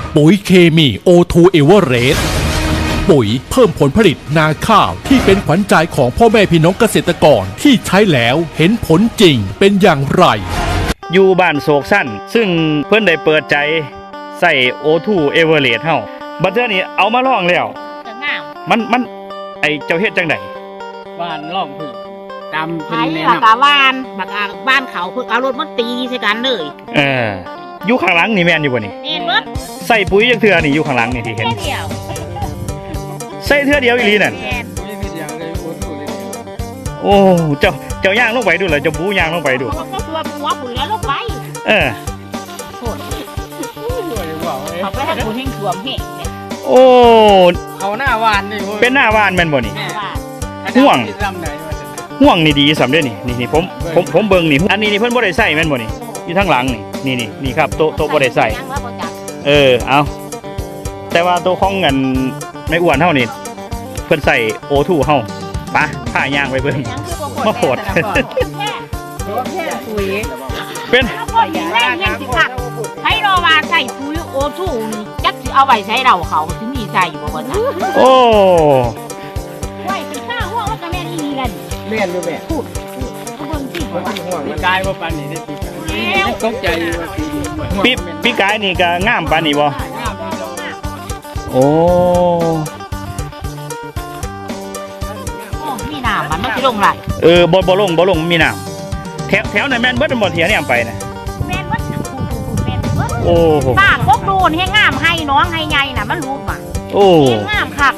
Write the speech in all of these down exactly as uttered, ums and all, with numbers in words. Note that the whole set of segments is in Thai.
ปุ๋ยเคมี โอ ทู Everest ปุ๋ยเพิ่มผลผลิตนาข้าวที่เป็นขวัญใจของพ่อแม่พี่น้องเกษตรกรที่ใช้แล้วเห็นผลจริงเป็นอย่างไรอยู่บ้านโศกสั้นซึ่งเพิ่นได้เปิดใจใส่ โอ ทู Everest เฮาบัดเทื่อนี้เอามาลองแล้วจะงามมันมันไอเจ้าเฮ็ดจังได๋บ้านล่องพึ่งตามไผ่เพิ่นแนะหลักนำกะวานบักอาบ้านเขาเพิ่งเอารถมาตีใส่กันเลยเอออยู่ข้างหลังนี่แม่นอยู่บ่นี่เห็นเบิดใส่ปุ๋ยจังเทื่อนี่อยู่ข้างหลังนี่ที่เห็นแค่เดียวใส่เทื่อเดียวอีหลีนั่นแม่นมีวิธีอย่างเลยโอ้โหเลยโอ้เจ้าเจ้าย่างลงไปดูเหรอเจ้าบูย่างลงไปดูเขาก็ตัวปัวปุ๋ยแล้วลงไปเออโคตรสวยว่าวเลยเขาไปให้ปุ๋ยแห้งถ่วมแห้งเนี่ยโอ้เขาหน้าวานนี่เป็นหน้าบ้านแม่นบ่นี่แม่ว่าห่วงลำไหนวะจ๊ะห่วงนี่ดีสำเด้อนี่นี่นี่ผมผมผมเบิ่งนี่อันนี้นี่เพิ่นบ่ได้ใส่แม่นบ่นี่อยู่ทางหลังนี่นี่นี่นี่ครับโตะโตะบ่ได้ใส่ยังว่าบ่จักเออเอาแต่ว่าตัวของเงินไม่อ้วนเท่านี่เพิ่นใส่โอทูเฮาปะผ้าย่างไปเบิ่งยังคือบ่มาโผดแค่ตัวแค่ปุ๋ยเป็นแล้วก็ยิงแรงยังสิคักให้รอว่าใส่ปุ๋ยโอทูนี่จักสิเอาไว้ใช้เราเขาถึงมีใส่อยู่บ่บ่จักโอ้ไว้เป็นข้าวหัวมันก็แม่นอีนี่แหละแม่นอยู่แม่พูดเขาเบิ่งสิบ่ต้องห่วงมันกายว่าปานนี้ได้ปีกันตกใจว่าปีนี้ปีปีกายนี่ก็งามปานนี้บ่โอ้โอ้มีน้ำมันมันสิลงไหลเออบ่บ่ลงบ่ลงมีน้ำแถวแถวนั้นแม่นเบิดบ่เถียเนี่ยไปนะแม่นวัดพูดพูดแม่นวัดโอ้โหป้ากกดูนให้งามให้น้องให้ใหญ่น่ะมันรู้ป่ะโอ้ให้งามคัก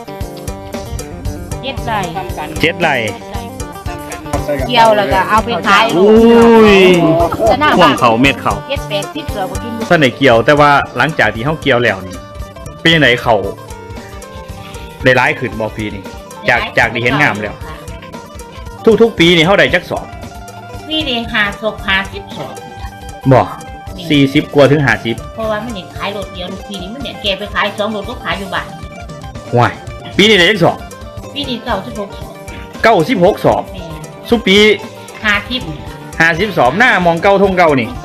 เย็ดได้ทำกันเจ็ดไหลเกี่ยวแล้วก็เอาไปขายลูอุ้ยจะหน้าห่วบ้าง นเขาเม็ดเขาเย็ดแปดสิบเสือบ่กินท่านได้เกี่ยวแต่ว่าหลังจากที่เฮาเกี่ยวแล้วนี่เป็นจังไดเขาได้ร้ายขึ้นบ่ปีนี้จากจากที่เห็นงามแล้ว ทุกๆปีนี่เฮาได้จักสอบนี่นี่หาศพหาสิบสองบ่สี่สิบกว่าถึงห้าสิบเพราะว่ามันเนี่ยขายรถเดียวปีนี้มันเนี่ยแกไปขายสองรถก็ขายอยู่บ้านว้ายปีนี้ได้จักสอบปีนี้เก้าสิบหกสองเก้าสิบหกสอบแม่สุปีหาทิพห้าสิบสอบหน้ามองเก่าทงเก่านี่เ